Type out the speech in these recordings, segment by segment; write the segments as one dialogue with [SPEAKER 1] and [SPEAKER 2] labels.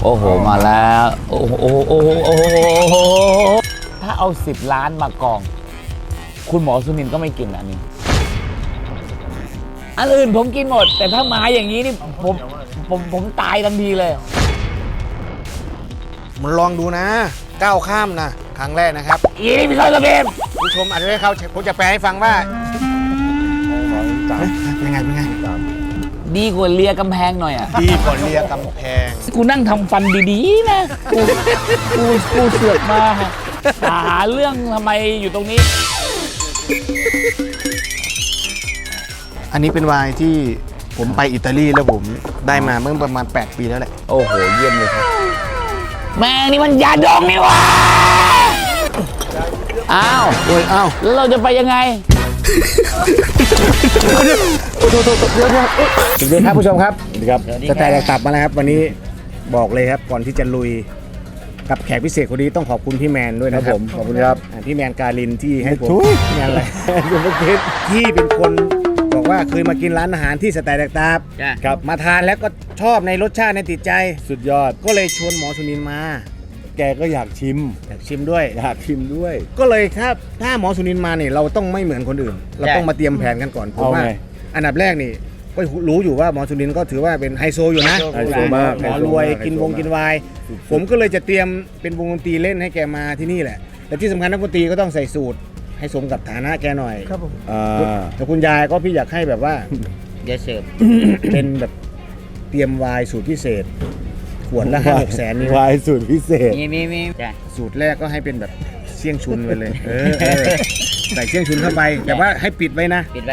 [SPEAKER 1] โอ้โหมาแล้วโอ้โหโอ้โหโอ้โหถ้าเอา10 ล้านมากองคุณหมอสุนินก็ไม่กินอันนี้อันอื่นผมกินหมดแต่ถ้ามาอย่างนี้นี่ผมตายทันทีเลย
[SPEAKER 2] มันลองดูนะก้าวข้ามนะครั้งแรกนะครับ
[SPEAKER 1] อีนี่พี่ซอยระเบม
[SPEAKER 2] ผู้ชมอาจจะไม่เข้าผมจะแปลให้ฟังว่าเป็นไง
[SPEAKER 1] ดีกว่าเลียกำแพงหน่อยอ่ะ
[SPEAKER 2] ดีกว่าเลียกำแพง
[SPEAKER 1] กูนั่งทำฟันดีๆนะกูเสือกมาหาเรื่องทำไมอยู่ตรงนี้
[SPEAKER 2] อันนี้เป็นไวน์ที่ผมไปอิตาลีแล้วผมได้มาเมื่อประมาณ8 ปีแล้วแหละ
[SPEAKER 1] โอ้โหเยี่ยมเลยครับแม่งนี่มันยาดองนี่วะอ้าว
[SPEAKER 2] โอ้ยอ้าว
[SPEAKER 1] แล้วเราจะไปยังไง
[SPEAKER 2] เดี๋ยวครับผู้ชมครับครับจะแต่กลับมาแล้วครับวันนี้บอกเลยครับก่อนที่จะลุยกับแขกพิเศษคนนี้ต้องขอบคุณพี่แมนด้วยนะครับ
[SPEAKER 3] ขอบคุณครับ
[SPEAKER 2] พี่แมนการินที่ให้ผมงานอะไรที่เป็นคนบอกว่าเคยมากินร้านอาหารที่สแตนดาร์ดครับมาทานแล้วก็ชอบในรสชาติในติดใจ
[SPEAKER 3] สุดยอด
[SPEAKER 2] ก็เลยชวนหมอสุนินมา
[SPEAKER 3] แกก็อยากชิม
[SPEAKER 2] ด้วย
[SPEAKER 3] อยากชิมด้วย
[SPEAKER 2] ก็เลยถ้าหมอสุนินมาเนี่ยเราต้องไม่เหมือนคนอื่นเราต้องมาเตรียมแผนกันก่อนผมว่าอันดับแรกนี่ก็รู้อยู่ว่าหมอสุนินก็ถือว่าเป็นไฮโซอยู่นะ
[SPEAKER 3] ไฮโซมาก
[SPEAKER 2] หมอรวยกินไวน์ผมก็เลยจะเตรียมเป็นวงดนตรีเล่นให้แกมาที่นี่แหละแต่ที่สำคัญนักดนตรีก็ต้องใส่สูตรให้สมกับฐานะแกหน่อย
[SPEAKER 3] ครับผม
[SPEAKER 2] แต่คุณยายก็พี่อยากให้แบบว่า
[SPEAKER 1] เดี๋ยวเสิร์ฟ
[SPEAKER 2] เป็นแบบเตรียมไวน์สูตรพิเศษขวดละ5-6 แสนนี่
[SPEAKER 3] ไวน์สูตรพิเศษ
[SPEAKER 1] มี
[SPEAKER 2] สูตรแรกก็ให้เป็นแบบเสี่ยงชุนไปเลยใส่เสี่ยงชุนเข้าไปแต่ว่าให้ปิดไว้นะ
[SPEAKER 1] ปิดไว้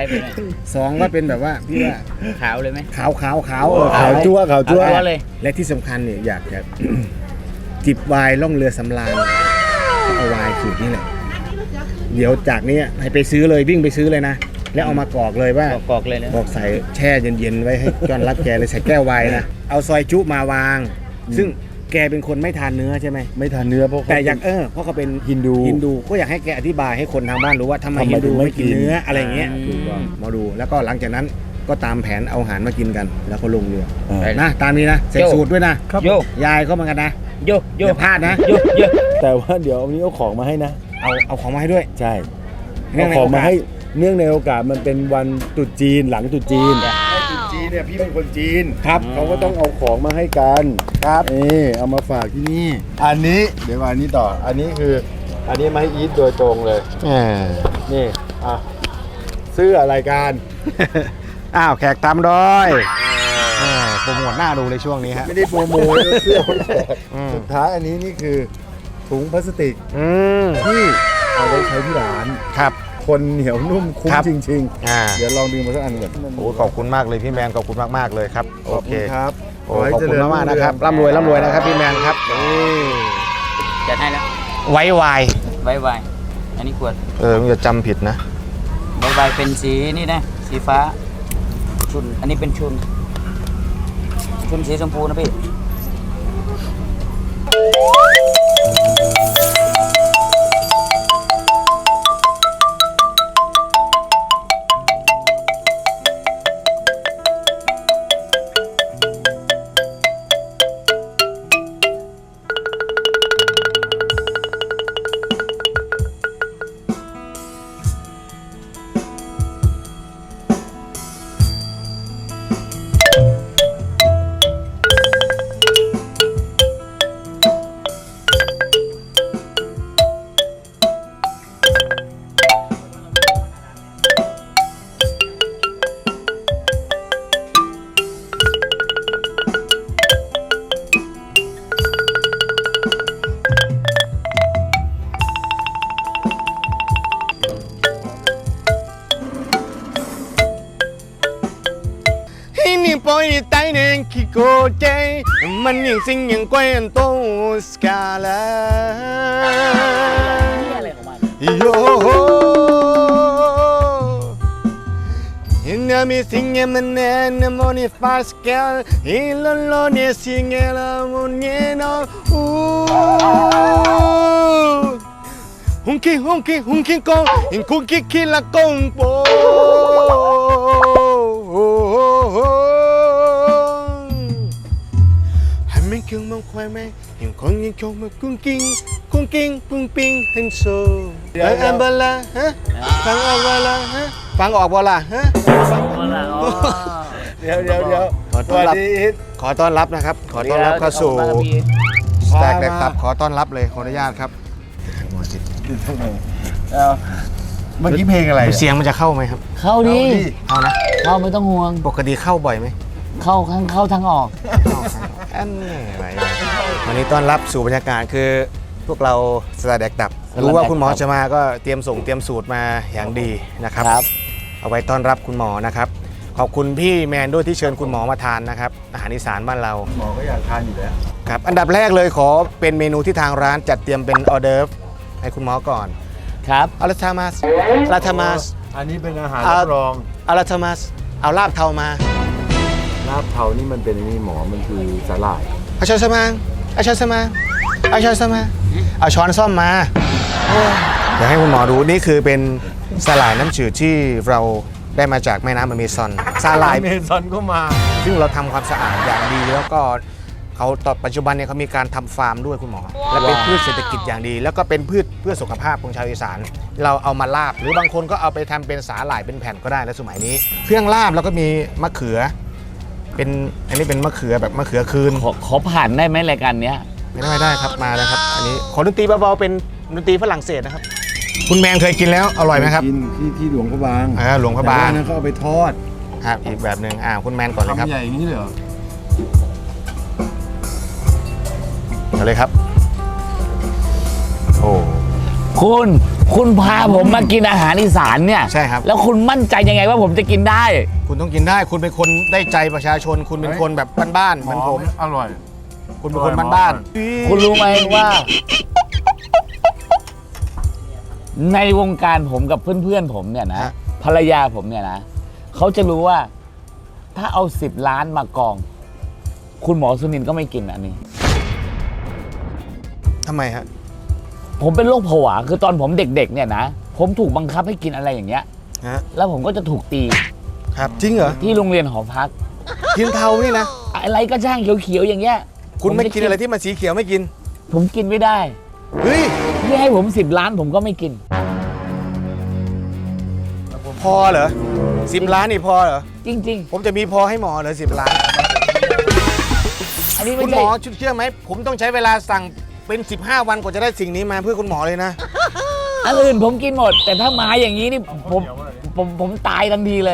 [SPEAKER 2] 2ก็เป็นแบบว่าพี่ว่า
[SPEAKER 1] ขาวเลยไหม
[SPEAKER 2] ขาว
[SPEAKER 3] ขาวจั่ว
[SPEAKER 1] เลย
[SPEAKER 2] และที่สำคัญเนี่ยอยากจะจิบไวน์ล่องเรือสำราญเอาไวน์สูตรนี่แหละเดี๋ยวจากนี้ให้ไปซื้อเลยวิ่งไปซื้อเลยนะแล้วเอามากรอกเลยว่าก
[SPEAKER 1] รอกเลยนะ
[SPEAKER 2] บอกใส่แช่เย็นๆไว้ให้จอนรับแกเลยใส่แก้วไวน์นะเอาซอยจุมาวางซึ่งแกเป็นคนไม่ทานเนื้อใช่ไหม
[SPEAKER 3] ไม่ทานเนื้อ
[SPEAKER 2] แต่อยากเพราะเขาเป็น
[SPEAKER 3] ฮินดู
[SPEAKER 2] ก็อยากให้แกอธิบายให้คนทางบ้านรู้ว่าทำไมฮินดูไม่กินเนื้ออะไรเงี้ยมาดูแล้วก็หลังจากนั้นก็ตามแผนเอาอาหารมากินกันแล้วก็ลงเรือนะตามนี้นะใส่สูตรด้วยนะยายเข้ามากันนะอย่าพลาดนะ
[SPEAKER 3] แต่ว่าเดี๋ยววันนี้เอาของมาให้นะ
[SPEAKER 2] เอาของมาให้ด้วย
[SPEAKER 3] ใช่เอาของมาให้เนื่องในโอกาสมันเป็นวันตรุษจีนหลังตรุษจีนเนี่ยพี่เป็นคนจีน
[SPEAKER 2] ครับ
[SPEAKER 3] เขาก็ต้องเอาของมาให้กัน
[SPEAKER 2] ครับ
[SPEAKER 3] เอามาฝากที่นี่อันนี้เดี๋ยวอันนี้ต่ออันนี้คืออันนี้มาให้อีทโดยตรงเลยนี่เสื้อรายการ
[SPEAKER 2] แขกตามดอยโปรโมทหน้าดูเลยช่วงนี้ฮะ
[SPEAKER 3] ไม่ได้โปรโมทเสื้อสุดท้ายอันนี้นี่คือถุงพลาสติกที่เอาไว้ใช้ที่ร้าน
[SPEAKER 2] ครับ
[SPEAKER 3] คนเหนียวนุ่มคุ้มจริงๆเดี๋ยวลองดื่มมาสักอันก่อน
[SPEAKER 2] ขอบคุณมากเลยพี่แมนขอบคุณมากๆเลยครับ
[SPEAKER 3] โอเคครับ
[SPEAKER 2] ขอบคุณมากๆนะครับร่ำรวยนะครับพี่แมนครับ
[SPEAKER 1] จัดให้แล้ว
[SPEAKER 2] ไว้วาย
[SPEAKER 1] อันนี้ขวด
[SPEAKER 2] มึงจะจำผิดนะ
[SPEAKER 1] ไวเป็นสีนี่นะสีฟ้าชุนอันนี้เป็นชุนสีชมพูนะพี่
[SPEAKER 2] ปอยไตเนงคิโกเจมันยังสิ่งยังกวนโตสกาลาโยโฮอินามิสิ่งยังมันเนนโมนิฟาสกาลอิลโลเนสิ่งยังละโมเนโนฮุงคิโกอินคุกิคิลาโกงโปงมองควายไหมเห็นคนยังชมมากุ้งกิ้งกุ้งกิ้งปุ้งปิ้งฮันโซฟังอันบลาฮะฟังอันบลาฮะฟังออกบลาฮะเดี๋ยวสวัสดีอีทขอต้อนรับนะครับขอต้อนรับเข้าสู่สแต็กแดกตับขอต้อนรับเลยขออนุญาตครับ
[SPEAKER 3] เมื่อกี้เพลงอะไร
[SPEAKER 2] เสียงมันจะเข้าไหมครับ
[SPEAKER 1] เข้าดิ
[SPEAKER 2] เอานะ
[SPEAKER 1] เข้าไม่ต้องห่วง
[SPEAKER 2] ปกติเข้าบ่อยไหม
[SPEAKER 1] เข้าทั้งออก
[SPEAKER 2] อันนี้อะไรวันนี้ต้อนรับสู่บรรยากาศคือพวกเราสแต็กแดกตับรู้ว่าคุณหมอจะมาก็เตรียมสูตรมาอย่างดีนะครับ เอาไว้ต้อนรับคุณหมอนะครับขอบคุณพี่แมนด้วยที่เชิญคุณหมอมาทานนะครับอาหารอีสานบ้านเรา
[SPEAKER 3] หมอก็อยากทานอยู่แล้ว
[SPEAKER 2] ครับอันดับแรกเลยขอเป็นเมนูที่ทางร้านจัดเตรียมเป็นออเดิร์ฟให้คุณหมอก่อน
[SPEAKER 1] ครับ
[SPEAKER 2] อาราทามัสลาทามัส
[SPEAKER 3] อันนี้เป็นอาหารรับรอง
[SPEAKER 2] อาราทามัสเอาลาบเทามา
[SPEAKER 3] ลาบเทานี่มันเป็นนี่หมอมันคือสาหร่าย
[SPEAKER 2] เอาช้อนสมางเอาช้อนสมางเอาช้อนสมางเอาช้อนซ่อมมาเดี๋ยวให้คุณหมอดูนี่คือเป็นสาหร่ายน้ำจืดที่เราได้มาจากแม่น้ำอเมซอนสาหร่าย
[SPEAKER 3] เมซอนก็มา
[SPEAKER 2] ซึ่งเราทำความสะอาดอย่างดีแล้วก็เขาตอนปัจจุบันเนี่ยเขามีการทำฟาร์มด้วยคุณหมอ และเป็นพืชเศรษฐกิจอย่างดี แล้วก็เป็นพืชเพื่อสุขภาพของชาวอีสานเราเอามาลาบหรือบางคนก็เอาไปทำเป็นสาหร่ายเป็นแผ่นก็ได้แล้วสมัยนี้ เครื่องลาบแล้วก็มีมะเขือเป็นอันนี้เป็นมะเขือแบบมะเขือคืน
[SPEAKER 1] ขอผ่านได้ไหมรายการเนี้ย
[SPEAKER 2] ไม่ได้ครับมาแล้วครับอันนี้ขอดนตรีเบาๆเป็นดนตรีฝรั่งเศสนะครับคุณแมนเคยกินแล้วอร่อยไหมครับ
[SPEAKER 3] กินที่หลวงพระบาง
[SPEAKER 2] หลวงพระบาง
[SPEAKER 3] แต่ว่นั้นเขาเอาไปทอด
[SPEAKER 2] ครับอีกแบบหนึ่งคุณแมนก่อนเลยครับ
[SPEAKER 3] ทำใหญ่อย่างนี้เลยเหรอ
[SPEAKER 2] เอาเลยครับโอ้
[SPEAKER 1] คุณพาผมมากินอาหารอีสานเนี่ย
[SPEAKER 2] ใช่ครับ
[SPEAKER 1] แล้วคุณมั่นใจยังไงว่าผมจะกินได้
[SPEAKER 2] คุณต้องกินได้คุณเป็นคนได้ใจประชาชน คุณเป็นคนแบบบ้านๆเหมือนผม
[SPEAKER 3] อร่อย
[SPEAKER 2] คุณเป็นคนบ้านๆ
[SPEAKER 1] คุณรู้ไหมว่า ในวงการผมกับเพื่อนๆผมเนี่ยนะภรรยาผมเนี่ยนะเขาจะรู้ว่าถ้าเอา10 ล้านมากอง คุณหมอสุนินท์ก็ไม่กินอันนี้
[SPEAKER 2] ทำไมฮะ
[SPEAKER 1] ผมเป็นโรคผวาคือตอนผมเด็กๆเนี่ยนะผมถูกบังคับให้กินอะไรอย่างเงี้ย
[SPEAKER 2] ฮะ
[SPEAKER 1] แล้วผมก็จะถูกตี
[SPEAKER 2] ครับจริงเหรอ
[SPEAKER 1] ที่โรงเรียนหอพัก
[SPEAKER 2] กินเทานี่นะ
[SPEAKER 1] อะไรก็ช่างเขียวๆอย่างเงี้ย
[SPEAKER 2] คุณไม่กินอะไรที่มันสีเขียวไม่กิน
[SPEAKER 1] ผมกินไม่ได้
[SPEAKER 2] เฮ้ย
[SPEAKER 1] ที่ให้ผม10 ล้านผมก็ไม่กิน
[SPEAKER 2] พอเหรอ10 ล้านนี่พอเหรอ
[SPEAKER 1] จริง
[SPEAKER 2] ผมจะมีพอให้หมอเหรอ10 ล้าน
[SPEAKER 1] ๆ อันนี้
[SPEAKER 2] คุ
[SPEAKER 1] ไม่
[SPEAKER 2] ณหม
[SPEAKER 1] ใช่
[SPEAKER 2] อเชื่อไหมผมต้องใช้เวลาสั่งเป็น15 วันกว่าจะได้สิ่งนี้มาเพื่อคุณหมอเลยนะ
[SPEAKER 1] อันอื่นผมกินหมด แต่ถ้ามาอย่างนี้นี่ผมตายทันทีเลย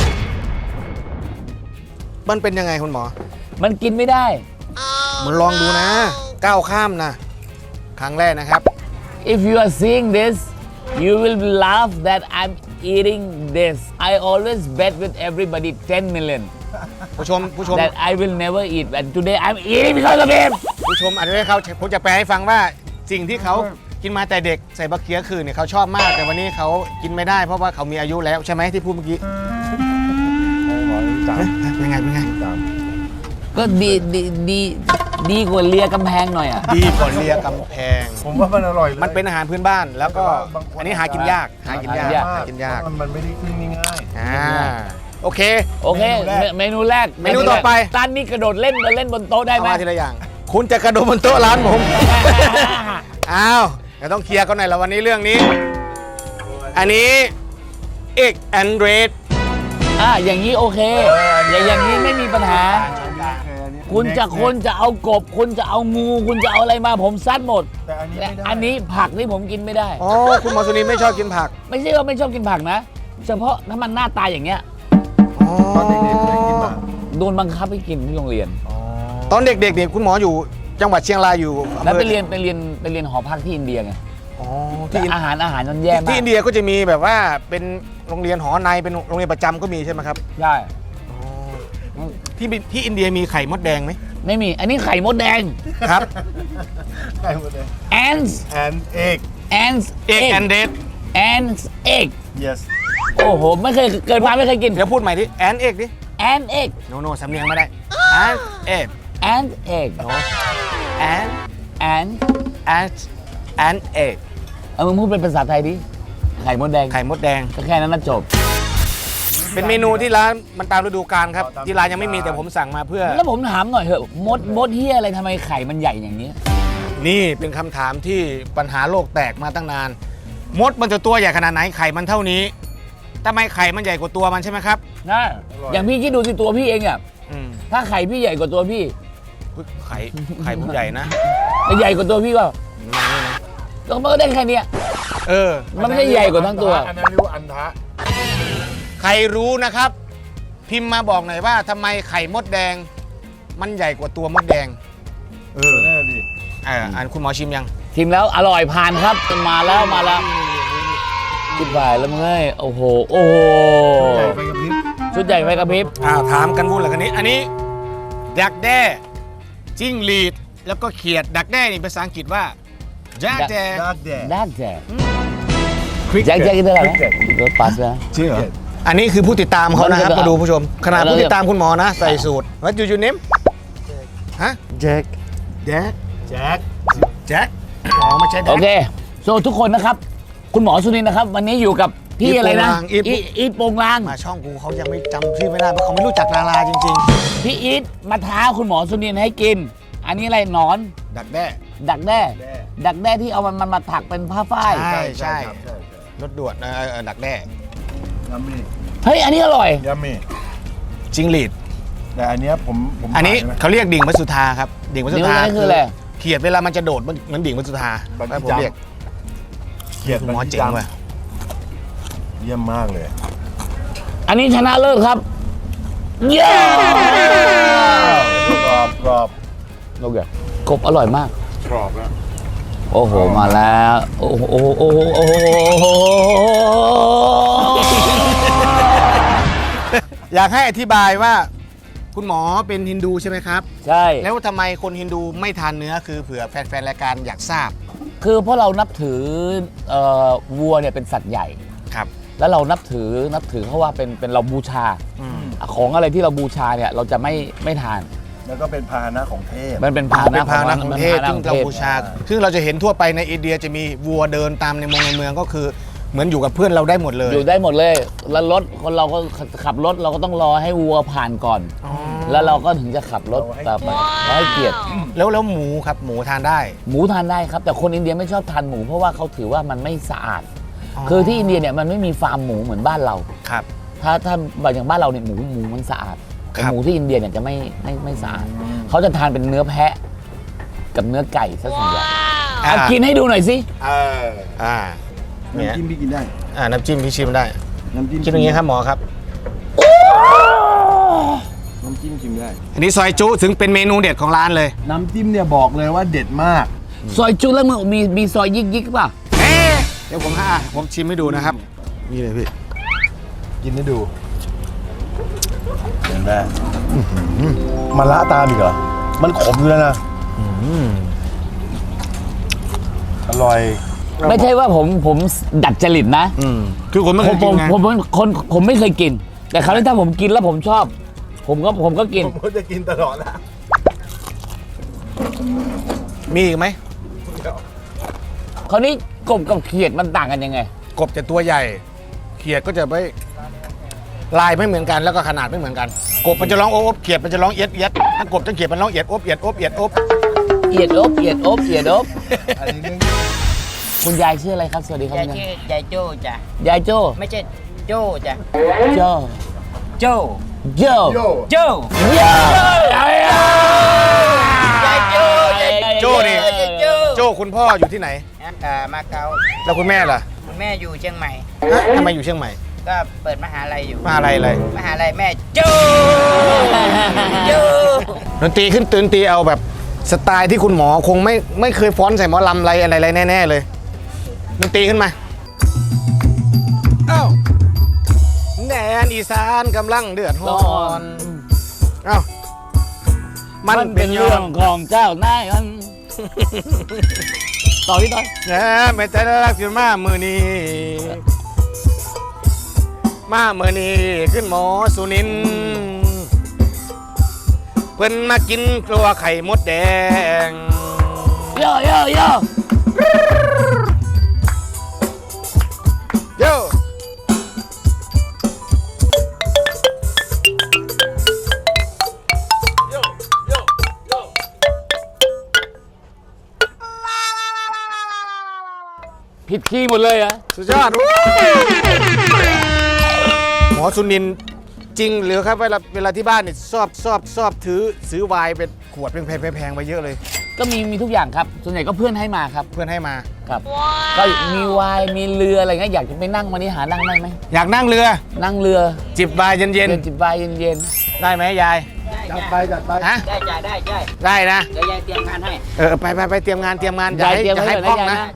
[SPEAKER 2] มันเป็นยังไงคุณหมอ
[SPEAKER 1] มันกินไม่ได้
[SPEAKER 2] มันลองดูนะก้าวข้ามนะครั้งแรกนะครับ
[SPEAKER 1] If you are seeing this you will laugh that I'm eating this I always bet with everybody 10 million
[SPEAKER 2] ผู้ชม
[SPEAKER 1] that I will never eat and today I'm eating because of him
[SPEAKER 2] ผู้ชมอาจจะไม่เขาผมจะแปลให้ฟังว่าสิ่งที่เขากินมาแต่เด็กใส่บะเขือคืนเนี่ยเขาชอบมากแต่วันนี้เขากินไม่ได้เพราะว่าเขามีอายุแล้วใช่ไหมที่พูดเมื่อกี้
[SPEAKER 3] หมอนี่ตาม
[SPEAKER 2] เป็นไง
[SPEAKER 3] ตาม
[SPEAKER 1] ก็ดีกว่าเลียกำแพงหน่อยอ่ะ
[SPEAKER 2] ดีกว่าเลียกำแพง
[SPEAKER 3] ผมว่ามันอร่อยเลย
[SPEAKER 2] มันเป็นอาหารพื้นบ้านแล้วก็อันนี้หากินยากหากินยาก
[SPEAKER 3] มันไม่ได้ขึ้นง่าย
[SPEAKER 2] โอเค
[SPEAKER 1] โอเค เมนูแรก
[SPEAKER 2] เมนูต่อไป
[SPEAKER 1] ตานนี้กระโดดเล่นบนโต๊ะได้
[SPEAKER 2] เอา
[SPEAKER 1] ไหม
[SPEAKER 2] มาทีละอย่าง คุณจะกระโดดบนโต๊ะร้านผม อ้าวเดี๋ยวต้องเคลียร์กันหน่อยแล้ววันนี้เรื่องนี้ อันนี้เอกแอนเดรส
[SPEAKER 1] อย่างนี้โอเค อย่างนี้ไม่มีปัญหา คุณจะเอากบ คุณจะเอางู คุณจะเอาอะไรมาผมซัดหมด
[SPEAKER 3] แต่อันนี้
[SPEAKER 1] และ
[SPEAKER 3] ไม่ได้
[SPEAKER 1] อันนี้ผักนี่ผมกินไม่ได้
[SPEAKER 2] อ๋อคุณหมอสุนีไม่ชอบกินผัก
[SPEAKER 1] ไม่ใช่ว่าไม่ชอบกินผักนะ เฉพาะถ้ามันหน้าตาอย่างเงี้ย
[SPEAKER 3] ตอนเด็กๆเคยกินป่ะ
[SPEAKER 1] โดนบังคับให้กินที่โรงเรียน
[SPEAKER 2] ตอนเด็กๆเนี่ยคุณหมออยู่จังหวัดเชียงรายอยู่อำ
[SPEAKER 1] แล้ว
[SPEAKER 2] เภ
[SPEAKER 1] ไป
[SPEAKER 2] อ
[SPEAKER 1] เรียนหอพักที่อินเดียไง
[SPEAKER 2] อ๋อ
[SPEAKER 1] แต่
[SPEAKER 2] ที่
[SPEAKER 1] อาหารมันแย่มา
[SPEAKER 2] ที่
[SPEAKER 1] ก
[SPEAKER 2] อินเดียก็จะมีแบบว่าเป็นโรงเรียนหอในเป็นโรงเรียนประจำก็มีใช่ไหมครับ
[SPEAKER 1] ใช่
[SPEAKER 2] ที่อินเดียมีไข่มดแดงไหม
[SPEAKER 1] ไม่มี อันนี้ไข่มดแดง
[SPEAKER 2] ครับ
[SPEAKER 3] ไก่หมดเลย
[SPEAKER 1] ants
[SPEAKER 3] and egg
[SPEAKER 1] ants
[SPEAKER 2] เอกแอนเดส
[SPEAKER 1] ants egg
[SPEAKER 3] yes
[SPEAKER 1] โอ้โหไม่เคยเกิดมาไม่เคยกิน
[SPEAKER 2] เดี๋ยวพูดใหม่ที่แอนเอกดิ
[SPEAKER 1] ant egg
[SPEAKER 2] โนสำเนียงไม่ได้แอนเอก
[SPEAKER 1] ant egg
[SPEAKER 2] แอน
[SPEAKER 1] ant
[SPEAKER 2] แอนเอก
[SPEAKER 1] มึงพูดเป็นภาษาไทยดิไข่มดแดง
[SPEAKER 2] ไข่มดแดง
[SPEAKER 1] ก็แค่นั้นนะจบ
[SPEAKER 2] เป็นเมนูที่ร้านมันตามฤดูกาลครับที่ร้านยังไม่มีแต่ผมสั่งมาเพื่อ
[SPEAKER 1] แล้วผมถามหน่อยเถอะมดเฮียอะไรทำไมไข่มันใหญ่อย่างนี้
[SPEAKER 2] นี่เป็นคำถามที่ปัญหาโลกแตกมาตั้งนาน มดมันจะตัวใหญ่ขนาดไหนไข่มันเท่านี้ทำไมไข่มันใหญ่กว่าตัวมันใช่ไหมครับ
[SPEAKER 1] นะอย่างพี่คิดดูสิตัวพี่เองอ่ะ
[SPEAKER 2] อืม
[SPEAKER 1] ถ้าไข่พี่ใหญ่กว่าตัวพี่
[SPEAKER 2] ไข่ผมใหญ่นะ
[SPEAKER 1] แต่ใหญ่กว่าตัวพี่ก็
[SPEAKER 2] ไม่นะ
[SPEAKER 1] แล้วมันก็ได้แค่เนี้ย
[SPEAKER 2] เออ
[SPEAKER 1] มันไม่ได้ใหญ่กว่าทั้งตัว
[SPEAKER 3] อันนั้นเรียกว่าอันทะ
[SPEAKER 2] ใครรู้นะครับ พิมพ์มาบอกหน่อยว่าทำไมไข่มดแดง มันใหญ่กว่าตัวมดแดง
[SPEAKER 3] นั่นดิ
[SPEAKER 2] อันคุณหมอชิมยัง
[SPEAKER 1] ชิมแล้วอร่อยผ่านครับมาแล้วชุดใหญ่แล้วมึงเอ้ยโอ้โหชุดใหญ่ไฟกระพริบ
[SPEAKER 2] ถามกันวุ่นเลยกันนี้ อันนี้ดักแด้จิ้งหรีดแล้วก็เขียดดักแด้นี่ภาษาอังกฤษว่าดักแด้
[SPEAKER 3] ดาร์กแดด
[SPEAKER 1] ด้านแจกแจ็คกินเท่าไหร่รถปัสนะ
[SPEAKER 3] เชื่อ
[SPEAKER 2] อันนี้คือผู้ติดตามเขานะครับ
[SPEAKER 1] แล้วก็
[SPEAKER 2] มาดูผู้ชม ขนาดผู้ติดตามคุณหมอนะ ใส่สูตรว่ายูเนมฮะ
[SPEAKER 3] แจ็ค
[SPEAKER 2] แจ็ค
[SPEAKER 3] แจ็ค
[SPEAKER 2] แจ็คอ๋อไม่ใช่แจ็
[SPEAKER 1] โอ
[SPEAKER 2] ค
[SPEAKER 1] เคโซทุกคนนะครับ คุณหมอสุนินท์นะครับ วันนี้อยู่กับพี่อะไรนะ
[SPEAKER 2] อีทโปงลาง
[SPEAKER 1] อีทโปงลาง
[SPEAKER 2] มาช่องกูเขายังไม่จำชื่อไม่ได้เพราะเขาไม่รู้จักดาราจริง
[SPEAKER 1] พี่อีทมาท้าคุณหมอสุนินท์ให้กิน อันนี้อะไรหนอน
[SPEAKER 2] ๆ ดักแด้
[SPEAKER 1] ดักแด้ที่เอามันมาถักเป็นผ้าฝ้าย
[SPEAKER 2] ใช่ รถด่วนดักแด้
[SPEAKER 3] ยัมมี่
[SPEAKER 1] เฮ้ยอันนี้อร่อย
[SPEAKER 3] ยัมมี่
[SPEAKER 2] จิงหรีด
[SPEAKER 3] แต่อันเนี้ยผม
[SPEAKER 2] อันนี้
[SPEAKER 3] ขายะ
[SPEAKER 2] เขาเรียกดิ่งมัสุธาครับดิ่งมัสุ
[SPEAKER 1] นี่
[SPEAKER 2] ธา
[SPEAKER 1] มันคืออะไร
[SPEAKER 2] เขียดเวลามันจะโดดเหมือนดิ่งมัสุธา
[SPEAKER 3] บัน
[SPEAKER 2] แล้วผม
[SPEAKER 3] จัง
[SPEAKER 2] เรียก
[SPEAKER 3] เขียด
[SPEAKER 2] หมอเจ๋งว่ะ
[SPEAKER 3] เยี่ยมมากเลย
[SPEAKER 1] อันนี้ชนะเลิศครับเย้
[SPEAKER 3] กรอบกรอบ
[SPEAKER 1] โอเคกบอร่อยมาก
[SPEAKER 3] กรอบแล้ว
[SPEAKER 1] โอ้โหมาแล้วโอ้โห
[SPEAKER 2] อยากให้อธิบายว่า คุณหมอเป็นฮินดูใช่ไหมครับ
[SPEAKER 1] ใช่
[SPEAKER 2] แล้วทำไมคนฮินดูไม่ทานเนื้อคือเผื่อแฟนๆรายการอยากทราบ
[SPEAKER 1] คือเพราะเรานับถือวัวเนี่ยเป็นสัตว์ใหญ่
[SPEAKER 2] ครับ
[SPEAKER 1] แล้วเรานับถือเขาว่าเป็นเราบูชา ของอะไรที่เราบูชาเนี่ยเราจะไม่ทาน
[SPEAKER 3] แล้วก็เป็นพาหนะของเทพ
[SPEAKER 1] มันเป็นพาห
[SPEAKER 2] เป็
[SPEAKER 1] นะ
[SPEAKER 2] นพาหนะของเทพ
[SPEAKER 1] มัน
[SPEAKER 2] ซึ่ง
[SPEAKER 1] ป็นพ
[SPEAKER 2] เรา
[SPEAKER 1] หนะของ
[SPEAKER 2] บู
[SPEAKER 1] ทพ
[SPEAKER 2] ชาซึ่งเราจะเห็นทั่วไปในอินเดียจะมีวัวเดินตามในเมืองก็คือเหมือนอยู่กับเพื่อนเราได้หมดเลย
[SPEAKER 1] อยู่ได้หมดเลย แล้วรถคนเราก็ขับรถเราก็ต้องรอให้วัวผ่านก่อน
[SPEAKER 2] อ๋อ
[SPEAKER 1] แล้วเราก็ถึงจะขับรถต่อไปเราให้เกียรติ
[SPEAKER 2] แล้วหมูครับหมูทานได้
[SPEAKER 1] หมูทานได้ครับ แต่คนอินเดียไม่ชอบทานหมูเพราะว่าเขาถือว่ามันไม่สะอาด คือที่อินเดียเนี่ยมันไม่มีฟาร์มหมูเหมือนบ้านเรา
[SPEAKER 2] ครับ
[SPEAKER 1] ถ้าแบบอย่างบ้านเราเนี่ยหมูมันสะอาดแต่
[SPEAKER 2] ครับ
[SPEAKER 1] หมูที่อินเดียเนี่ยจะไม่สะอาดเขาจะทานเป็นเนื้อแพะ กับเนื้อไก่ซะส่วนใหญ่เอากินให้ดูหน่อยสิ
[SPEAKER 2] อ่าเนี่ย
[SPEAKER 3] น้ำจิ้มพี่กินได้
[SPEAKER 2] น้ำจิ้มพี่ชิมได้
[SPEAKER 3] น้ำจิ้ม
[SPEAKER 2] คิดอย่างนี้ครับหมอครับ
[SPEAKER 3] น้ำจิ้มชิมได้
[SPEAKER 2] อันนี้ซอยจุถึงเป็นเมนูเด็ดของร้านเลย
[SPEAKER 3] น้ำจิ้มเนี่ยบอกเลยว่าเด็ดมาก
[SPEAKER 1] ซอยจุแล้วมึงมีซอยยิกป่ะ
[SPEAKER 2] เดี๋ยวผมชิมให้ดูนะครับนี่เลยพี่
[SPEAKER 3] กินให้ดูเห็นไหมมันละตามอีกเหรอ มันขมอยู่แล้วนะอร่อย
[SPEAKER 1] ไม่ใช่ว่าผมดัดจริตนะ
[SPEAKER 2] คือผมไม่เคยกินไง
[SPEAKER 1] ผมไม่เคยกิน แต่คราวนี้ถ้าผมกินแล้วผมชอบ ผมก็กิน
[SPEAKER 3] ผมก็จะกินตลอดนะ
[SPEAKER 2] มีอีกไหม
[SPEAKER 1] คราวนี้กบกับเขียดมันต่างกันยังไง
[SPEAKER 2] กบจะตัวใหญ่ เขียดก็จะไม่ลายไม่เหมือนกันแล้วก็ขนาดไม่เหมือนกัน กบมันจะร้องโอบเขียดมันจะร้องเอียดเอียดถ้ากบจะเขียดมันร้องเอียดโอบเอียดโอบเอียดโอบ
[SPEAKER 1] เอียดอบเอียดอบเอียดอบ
[SPEAKER 3] อันนี้เรื่อง
[SPEAKER 1] คุณยายชื่ออะไรครับสวัสดีครับ
[SPEAKER 4] ยาย
[SPEAKER 1] คุณยาย
[SPEAKER 4] ชื่อยายโจ้จ้ะ
[SPEAKER 1] ยายโจ้
[SPEAKER 4] ไม่ใช่โจ้จ้ะ
[SPEAKER 1] โจ้
[SPEAKER 4] โจ้
[SPEAKER 1] โจ้
[SPEAKER 3] โย
[SPEAKER 4] โจ้
[SPEAKER 1] โจ้
[SPEAKER 4] ยายโจ้ยาย
[SPEAKER 2] โจ้นี่
[SPEAKER 4] ยายโจ้
[SPEAKER 2] โจ้คุณพ่ออยู่ที่ไหน
[SPEAKER 4] มาเก๊า
[SPEAKER 2] แล้วคุณแม่ล่ะ
[SPEAKER 4] คุณแม่อยู่เชียงใหม่
[SPEAKER 2] ฮะทำไมอยู่เชียงใหม่
[SPEAKER 4] ก็เปิดมหาลัยอยู่
[SPEAKER 2] มาอะไรเลย
[SPEAKER 4] มหาลัยแม่โจ้โจ้
[SPEAKER 2] ดนตรีขึ้นตื่นตีเอาแบบสไตล์ที่คุณหมอคงไม่เคยฟ้อนใส่หมอลำอะไรแน่ๆเลยดนตรีขึ้นมาเอ้าแดนอีสานกำลังเดือดร้อนเอ้ามั
[SPEAKER 1] มันเป็นเรื่องของเจ้านายมันต่อที่ต่อ
[SPEAKER 2] นะไม่ใจรักขึ้นมามือนี้มามือนี้ขึ้นหมอสุนินทร์เพิ่นมากินกลัวไข่มดแดง
[SPEAKER 1] โย่โย่โย่
[SPEAKER 2] โย่
[SPEAKER 1] ผิดคีย์หมดเลยอะ
[SPEAKER 2] สุดยอดหมอสุนินท์จริงหรือครับเวลาที่บ้านเนี่ยชอบซื้อไวน์เป็นขวดแพงๆไปเยอะเลย
[SPEAKER 1] ก็มีทุกอย่างครับส่วนใหญ่ก็เพื่อนให้มาครับ
[SPEAKER 2] เพื่อนให้มา
[SPEAKER 1] ครับก็มีไวน์มีเรืออะไรเงี้ยอยากจะไปนั่งวันนี้หานั่งได้ไหม
[SPEAKER 2] อยากนั่งเรือ
[SPEAKER 1] นั่งเรือ
[SPEAKER 2] จิบไวน์เย็น
[SPEAKER 1] จิบไวน์เย็น
[SPEAKER 2] ๆได้ไหมยาย
[SPEAKER 3] จัดไป
[SPEAKER 2] ฮะ
[SPEAKER 4] ได้
[SPEAKER 2] ได้นะ
[SPEAKER 4] เดี๋ยวยายเตรียมงานให้
[SPEAKER 2] ไปเตรียมงาน
[SPEAKER 1] ๆ
[SPEAKER 2] อย่า
[SPEAKER 1] าย
[SPEAKER 2] ให้
[SPEAKER 1] เตรียม
[SPEAKER 2] อย่า
[SPEAKER 1] ไว้
[SPEAKER 2] ให้
[SPEAKER 1] ก่อน
[SPEAKER 2] พร่อง
[SPEAKER 1] นะ
[SPEAKER 2] นะ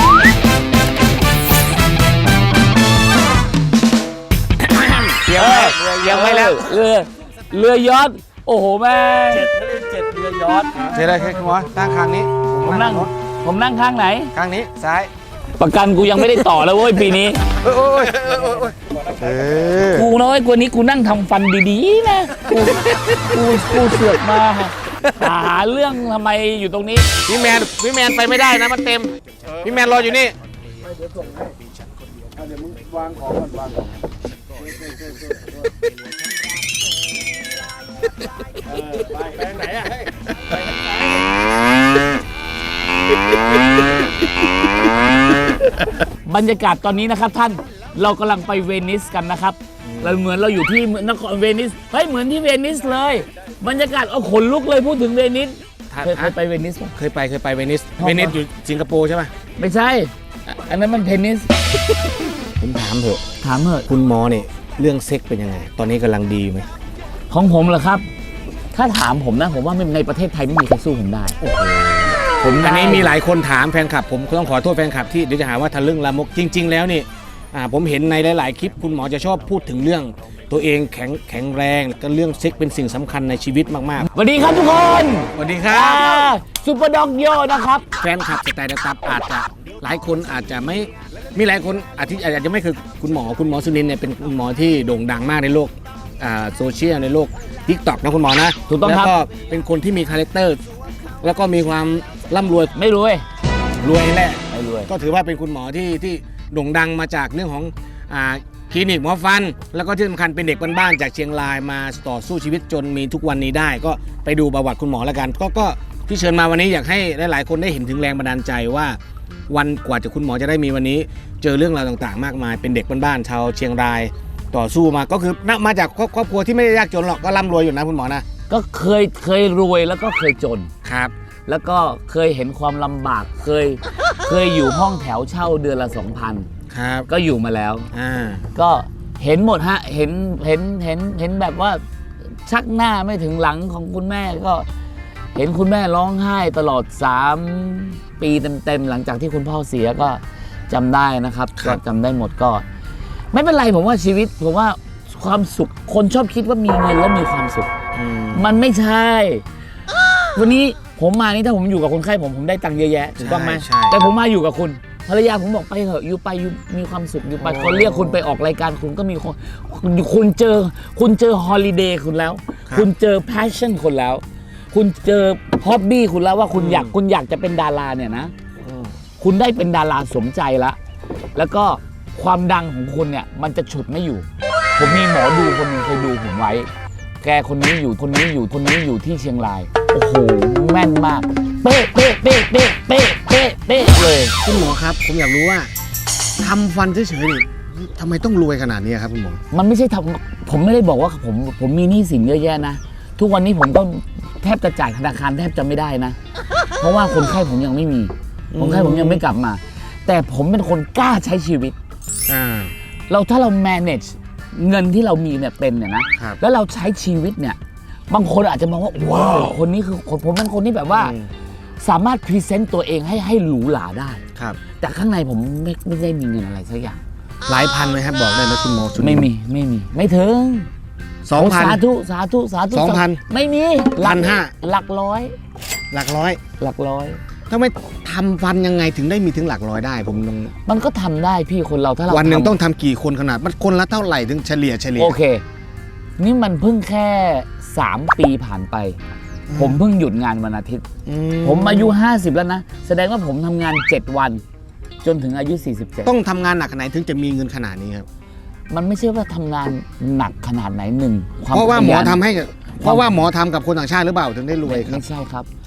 [SPEAKER 2] เตรียมไว้แล้ว
[SPEAKER 1] เรือยอชต์โอ้โหแม่
[SPEAKER 4] 7 เรือยอชต์
[SPEAKER 2] เจออะไรครับคุณหมอตั้งข้างนี้
[SPEAKER 1] ผมนั่งข้างไหน
[SPEAKER 2] ข้างนี้ซ้าย
[SPEAKER 1] ประกันกูยังไม่ได้ต่อแล้วเว้ยปีนี้
[SPEAKER 2] โอ้ย
[SPEAKER 1] กูน้อยกว่านี้กูนั่งทำฟันดีๆนะกูเสือกมาหาเรื่องทำไมอยู่ตรงนี้
[SPEAKER 2] พี่แมนไปไม่ได้นะมันเต็มพี่แมนรออยู่นี่
[SPEAKER 3] เดี๋ยวมึงวางของก่อนวางของไปไหนอ่ะ
[SPEAKER 1] บรรยากาศตอนนี้นะครับท่านเรากำลังไปเวนิสกันนะครับเราเหมือนเราอยู่ที่นครเวนิสเฮ้ยเหมือนที่เวนิสเลยบรรยากาศเอาขนลุกเลยพูดถึงเวนิสเคยไปเวนิสป่ะ
[SPEAKER 2] เคยไปเวนิสอยู่สิงคโปร์ใช่ไหม
[SPEAKER 1] ไม่ใช่อันนั้นมันเทนนิส
[SPEAKER 2] ผมถามเถอะ
[SPEAKER 1] ถามเถอะ
[SPEAKER 2] คุณหมอเนี่ยเรื่องเซ็กเป็นยังไงตอนนี้กำลังดีไหม
[SPEAKER 1] ของผมเหรอครับถ้าถามผมนะผมว่าในประเทศไทยไม่มีใครสู้ผมได้ผมได้
[SPEAKER 2] อันนี้มีหลายคนถามแฟนคลับผมต้องขอโทษแฟนคลับที่เดี๋ยวจะหาว่าทะลึ่งละมกจริง ๆ แล้วนี่ผมเห็นในหลายๆคลิปคุณหมอจะชอบพูดถึงเรื่องตัวเองแข็งแรงก็เรื่องเซ็กเป็นสิ่งสำคัญในชีวิตมากๆ
[SPEAKER 1] สวัสดีครับทุกคน
[SPEAKER 2] สวัสดีครับ
[SPEAKER 1] ซูเปอร์ด็อกโยนะครับ
[SPEAKER 2] แฟนคลับสไตล์นะครับอาจจะหลายคนอาจจะไม่มีหลายคนอาจจะไม่คือคุณหมอสุนินท์เนี่ยเป็นคุณหมอที่โด่งดังมากในโลกโซเชียลในโลก TikTok นะคุณหมอนะ
[SPEAKER 1] ถูกต้องครับ
[SPEAKER 2] แล้วก็เป็นคนที่มีคาแรคเตอร์แล้วก็มีความร่ำรวย
[SPEAKER 1] ไม่รวย
[SPEAKER 2] รวยแหละ
[SPEAKER 1] ไม่รวย
[SPEAKER 2] ก็ถือว่าเป็นคุณหมอที่โด่งดังมาจากเรื่องของคลินิกหมอฟัน แล้วก็ที่สำคัญเป็นเด็กบ้านๆจากเชียงรายมาต่อสู้ชีวิตจนมีทุกวันนี้ได้ ก็ไปดูประวัติคุณหมอแล้วกันก็ที่เชิญมาวันนี้อยากให้หลายๆคนได้เห็นถึงแรงบันดาลใจว่าวันกว่าจะคุณหมอจะได้มีวันนี้ เจอเรื่องราวต่างๆ มากมายเป็นเด็กบ้านๆชาวเชียงรายต่อสู้มาก็คือมาจากครอบครัวที่ไม่ได้ยากจนหรอกก็ร่ำรวยอยู่นะคุณหมอนะ
[SPEAKER 1] ก็เคยรวยแล้วก็เคยจน
[SPEAKER 2] ครับ
[SPEAKER 1] แล้วก็เคยเห็นความลำบากเคยอยู่ห้องแถวเช่าเดือนละ 2,000
[SPEAKER 2] ครับ
[SPEAKER 1] ก็อยู่มาแล้ว
[SPEAKER 2] อ่า
[SPEAKER 1] ก็เห็นหมดฮะเห็นแบบว่าชักหน้าไม่ถึงหลังของคุณแม่ก็เห็นคุณแม่ร้องไห้ตลอด3 ปีเต็มๆหลังจากที่คุณพ่อเสียก็จำได้นะครับก็จำได้หมดก็ ไม่เป็นไรผมว่าชีวิตผมว่าความสุขคนชอบคิดว่ามีเงินแล้วมีความสุข มันไม่ใช่ วันนี้ผมมานี่ถ้าผมอยู่กับคนไข้ผมได้ตังค์เยอะแยะถูกต้องไหม
[SPEAKER 2] ใช่
[SPEAKER 1] แต่ผมมาอยู่กับคุณภรรยาผมบอกไปเถอะอยู่ไปอยู่มีความสุขอยู่ไปคนเรียกคุณไปออกรายการคุณก็มีคนคุณเจอฮอลิเดย์คุณแล้ว คุณเจอแพชชั่นคุณแล้ว คุณเจอฮ็อบบี้คุณแล้วว่าคุณอยากจะเป็นดาราเนี่ยนะคุณได้เป็นดาราสมใจแล้วก็ความดังของคุณเนี่ยมันจะฉุดไม่อยู่ ผมมีหมอดูคนหนึงเคยดูผมไว้ แกคนนี้อยู่ที่เชียงราย โอ้โหแม่นมากเป๊ะเลย
[SPEAKER 2] คุณหมอครับผมอยากรู้ว่าทำฟันเฉยๆนี่ทำไมต้องรวยขนาดนี้ครับคุณหมอ
[SPEAKER 1] มันไม่ใช่ผมไม่ได้บอกว่าผมมีหนี้สินเยอะแยะนะทุกวันนี้ผมก็แทบจะจ่ายธนาคารแทบจะไม่ได้นะ เพราะว่าคนไข้ผมยังไม่มีคนไข้ผมยังไม่กลับมา แต่ผมเป็นคนกล้าใช้ชีวิตถ้าเรา manage เงินที่เรามีเนี่ยเป็นเนี่ยนะแล้วเราใช้ชีวิตเนี่ยบางคนอาจจะมองว่าว้าวคนนี้คือผมเป็นคนที่แบบว่าสามารถพรีเซนต์ตัวเองให้หรูหราได้
[SPEAKER 2] ครับ
[SPEAKER 1] แต่ข้างในผมไม่ได้มีเงินอะไรสักอย่าง
[SPEAKER 2] หลายพันไหมครับบอกได้ไหมคุณหมอ
[SPEAKER 1] ไม่มีไม่ถึง
[SPEAKER 2] 2,000
[SPEAKER 1] สาธุ
[SPEAKER 2] 2,000
[SPEAKER 1] ไม่มี
[SPEAKER 2] 1,500
[SPEAKER 1] หลักร้อย
[SPEAKER 2] หลักร้อยทำไมทำฟันยังไงถึงได้มีถึงหลักร้อยได้ผมต้อง
[SPEAKER 1] มันก็ทำได้พี่คนเราถ้าเรา
[SPEAKER 2] วันหนึ่งต้องทำกี่คนขนาดมันคนละเท่าไหร่ถึงเฉลี่ย
[SPEAKER 1] โอเค นี่มันเพิ่งแค่3 ปีผ่านไป ผมเพิ่งหยุดงานวันอาทิตย์ ผมอายุ50แล้วนะแสดงว่าผมทำงาน7 วันจนถึงอายุ47
[SPEAKER 2] ต้องทำงานหนักขนาดไหนถึงจะมีเงินขนาดนี้ครับ
[SPEAKER 1] มันไม่ใช่ว่าทำงานหนักขนาดไหนหนึ่ง
[SPEAKER 2] เพราะว่าหมอทำกับคนต่างชาติหรือเปล่าถึงได้รวยครับ
[SPEAKER 1] ไม่ใช่ครับ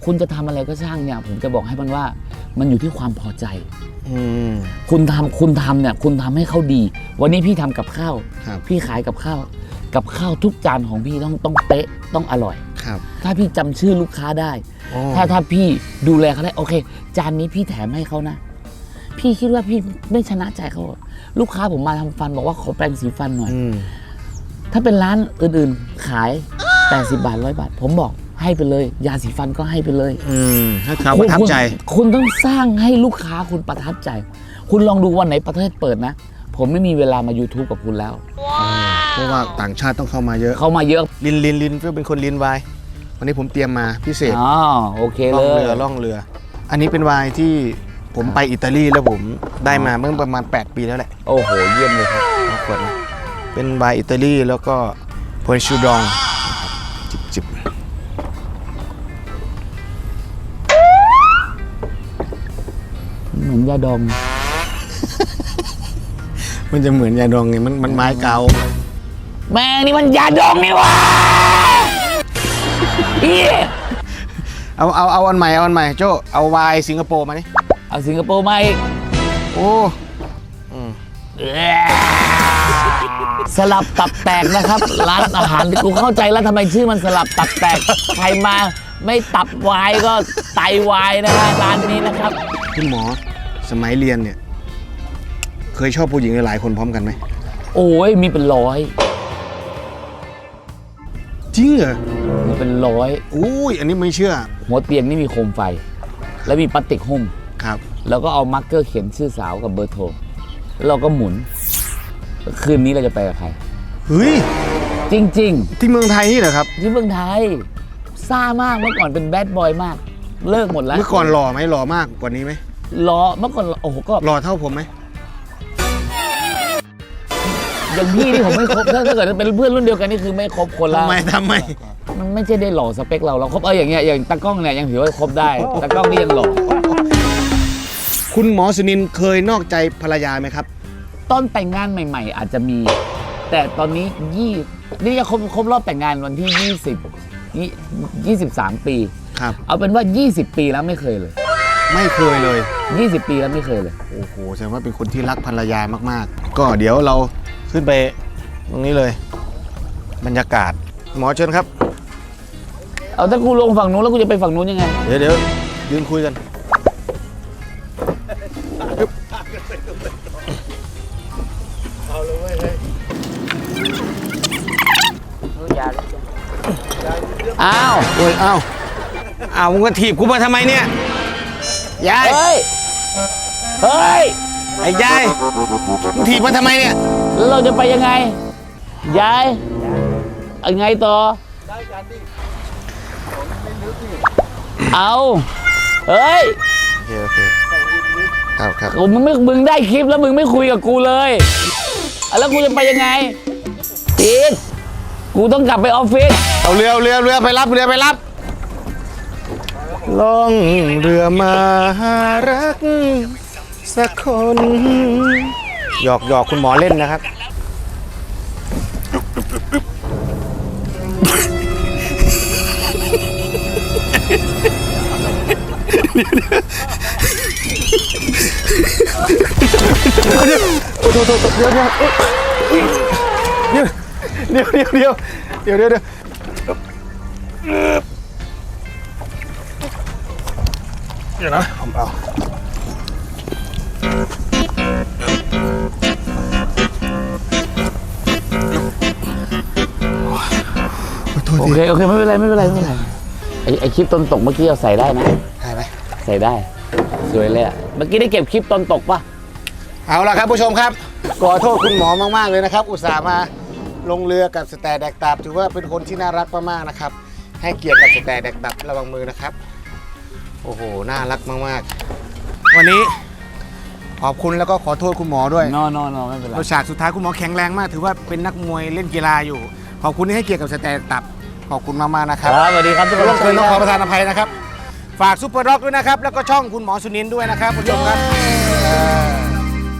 [SPEAKER 1] คุณจะทำอะไรก็ช่างเนี่ยผมจะบอกให้มันว่ามันอยู่ที่ความพอใจ คุณทำเนี่ยคุณทำให้เขาดี วันนี้พี่ทำกับข้าว
[SPEAKER 2] ครับ
[SPEAKER 1] พี่ขายกับข้าวทุกจานของพี่ต้องเป๊ะต้องอร่อย
[SPEAKER 2] ครับ
[SPEAKER 1] ถ้าพี่จำชื่อลูกค้าได้
[SPEAKER 2] อ๋อ
[SPEAKER 1] ถ้าพี่ดูแลเขาได้โอเค จานนี้พี่แถมให้เขานะ พี่คิดว่าพี่ไม่ชนะใจเขาหรอกลูกค้าผมมาทำฟันบอกว่าขอแปรงสีฟันหน่อย ถ้าเป็นร้านอื่นๆขาย80 บาท100 บาท ผมบอกให้ไปเลย ยาสีฟันก็ให้ไปเลย
[SPEAKER 2] ให้เขาประทับใจ
[SPEAKER 1] คุณต้องสร้างให้ลูกค้าคุณประทับใจ คุณลองดูวันไหนประเทศเปิดนะ ผมไม่มีเวลามา YouTube กับคุณแล้ว
[SPEAKER 2] เพราะว่าต่างชาติต้องเข้ามาเยอะ
[SPEAKER 1] เข้ามาเยอะ
[SPEAKER 2] ลินเพื่อเป็นคนลินไวน์วันนี้ผมเตรียมมาพิเศษ
[SPEAKER 1] อ๋อโอเค
[SPEAKER 2] ล่
[SPEAKER 1] เล
[SPEAKER 2] อง
[SPEAKER 1] ย
[SPEAKER 2] เรือ อันนี้เป็นไวน์ที่ผมไปอิตาลีแล้วผมได้มาเมื่อประมาณ8 ปีแล้วแหละ
[SPEAKER 1] โอ้โหเยี่ยมเลยครับ
[SPEAKER 2] ขวดนะเป็นไวน์อิตาลีแล้วก็พอนชูดองจิบ
[SPEAKER 1] เหมือนยาดอง
[SPEAKER 2] มันจะเหมือนยาดองไงมันไม้เกา
[SPEAKER 1] แม่งนี่มันยาดองนี่หวะเหี้ย
[SPEAKER 2] เอาอันใหม่โจ้เอาไวน์สิงคโปร์มานี่
[SPEAKER 1] เอาสิงคโปร์มาอีก
[SPEAKER 2] โอ้
[SPEAKER 1] สลับตับแตกนะครับ ร้านอาหารที่กูเข้าใจแล้วทำไมชื่อมันสลับตับแตกใครมาไม่ตับวายก็ไตวายนะฮะร้านนี้นะครับ
[SPEAKER 2] คุณหมอสมัยเรียนเนี่ยเคยชอบผู้หญิงหลายๆคนพร้อมกันไหม
[SPEAKER 1] โอ้ยมีเป็นร้อย
[SPEAKER 2] จริงเหรอ
[SPEAKER 1] มีเป็นร้อย
[SPEAKER 2] อุ้ยอันนี้ไม่เชื่อ
[SPEAKER 1] หัวเตียงนี่มีโคมไฟ แล้วมีพลาสติกหุ้ม
[SPEAKER 2] ครับ
[SPEAKER 1] แล้วก็เอามาร์กเกอร์เขียนชื่อสาวกับเบอร์โทรแล้วเราก็หมุน คืนนี้เราจะไปกับใคร
[SPEAKER 2] เฮ้ย
[SPEAKER 1] จริง
[SPEAKER 2] ที่เมืองไทยนี่เหรอครับ
[SPEAKER 1] ๆ ที่เมืองไทยซ่ามากเมื่อก่อนเป็นแบดบอยมาก เลิกหมดแล้ว
[SPEAKER 2] เมื่อก่อนหล่อไหมหล่อมากกว่านี้ไหม
[SPEAKER 1] ล้อเมื่อก่อนโอ้โหก็
[SPEAKER 2] หล่อเท่าผมไหม
[SPEAKER 1] อย่างพี่นี่ผมไม่ครบถ้าเกิดเป็นเพื่อนรุ่นเดียวกันนี่คือไม่ครบคนละ
[SPEAKER 2] ทำไม
[SPEAKER 1] มันไม่ใช่ได้หล่อสเปคเราครบอย่างเงี้ยอย่างตากล้องเนี่ยยังถือว่าครบได้ตากล้องนี่ยังหล่อ
[SPEAKER 2] คุณหมอสุนินท์เคยนอกใจภรรยาไหมครับ
[SPEAKER 1] ตอนแต่งงานใหม่ ๆ อาจจะมี แต่ตอนนี้นี่จะครบรอบแต่งงานวันที่23 ปี
[SPEAKER 2] ครับ
[SPEAKER 1] เอาเป็นว่า 20 ปีแล้วไม่เคยเลย
[SPEAKER 2] ไม่เคยเลย
[SPEAKER 1] 20 ปีแล้วไม่เคยเลย
[SPEAKER 2] โอ้โหแสดงว่าเป็นคนที่รักภรรยามากๆ ก็เดี๋ยวเราขึ้นไปตรงนี้เลย บรรยากาศ หมอเชิญครับ
[SPEAKER 1] เอาถ้ากูลงฝั่งนู้นแล้วกูจะไปฝั่งนู้นยังไง
[SPEAKER 2] เดี๋ยวยืนคุยกันอึ๊บ
[SPEAKER 1] อ้าว
[SPEAKER 2] โอ้ยอ้าวมึงก็ถีบกูมาทำไมเนี่ยยาย
[SPEAKER 1] เฮ้ย เฮ้ย
[SPEAKER 2] ไอ้ยายมึงถีบมาทำไมเนี่ย
[SPEAKER 1] แล้วเราจะไปยังไง ยายยังไงต่อ เอาเฮ้ย
[SPEAKER 2] โอเคครับ
[SPEAKER 1] มึงได้คลิปแล้วมึงไม่คุยกับกูเลยแล้วกูจะไปยังไงอีกกูต้องกลับไปออฟฟิศ
[SPEAKER 2] เอาเรือไปรับล่องเรือมาหารักสักคนหยอกคุณหมอเล่นนะครับเดี๋ยวนะผมเอา
[SPEAKER 1] โอเคไม่เป็นไรไอคลิปตอนตกเมื่อกี้เราใส่ได้นะ
[SPEAKER 2] ได้ไหม
[SPEAKER 1] ใส่ได้สวยเลยอ่ะเมื่อกี้ได้เก็บคลิปตอนตกปะ
[SPEAKER 2] เอาละครับผู้ชมครับขอโทษคุณหมอมากๆเลยนะครับอุตส่าห์มาลงเรือกับสแตนแดกตับถือว่าเป็นคนที่น่ารักมากๆนะครับให้เกียรติกับสแตนแดกตับระวังมือนะครับโอ้โหน่ารักมากๆวันนี้ขอบคุณแล้วก็ขอโทษคุณหมอด้วย
[SPEAKER 1] นอไม่เป็นไร
[SPEAKER 2] ฉากสุดท้ายคุณหมอแข็งแรงมากถือว่าเป็นนักมวยเล่นกีฬาอยู่ขอบคุณที่ให้เกียรติกับสแตนตับขอบคุณมากๆนะครับ
[SPEAKER 1] ครับสวัสดีครับทุกคน
[SPEAKER 2] ร่วมเกินต้องขอประทานอภัยนะครับฝากซุปเปอร์ด็อกด้วยนะครับแล้วก็ช่องคุณหมอสุนินท์ด้วยนะครับผู้ชมครับ